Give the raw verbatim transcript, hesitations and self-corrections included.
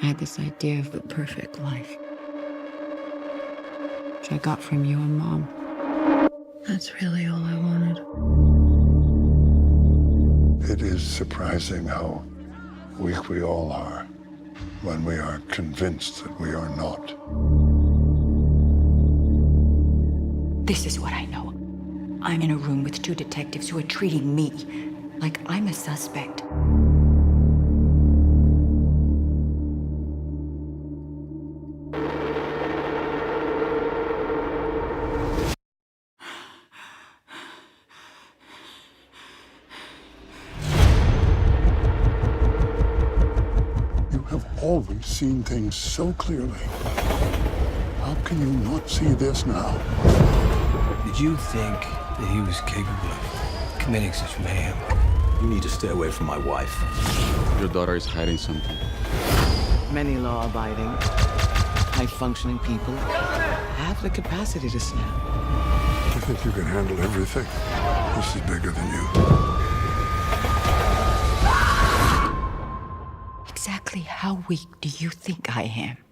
I had this idea of the perfect life, which I got from you and Mom. That's really all I wanted. It is surprising how weak we all are when we are convinced that we are not. This is what I know. I'm in a room with two detectives who are treating me like I'm a suspect. You have always seen things so clearly. How can you not see this now? Did you think that he was capable of committing such mayhem? You need to stay away from my wife. Your daughter is hiding something. Many law-abiding, high-functioning people have the capacity to snap. You think you can handle everything? This is bigger than you. Exactly how weak do you think I am?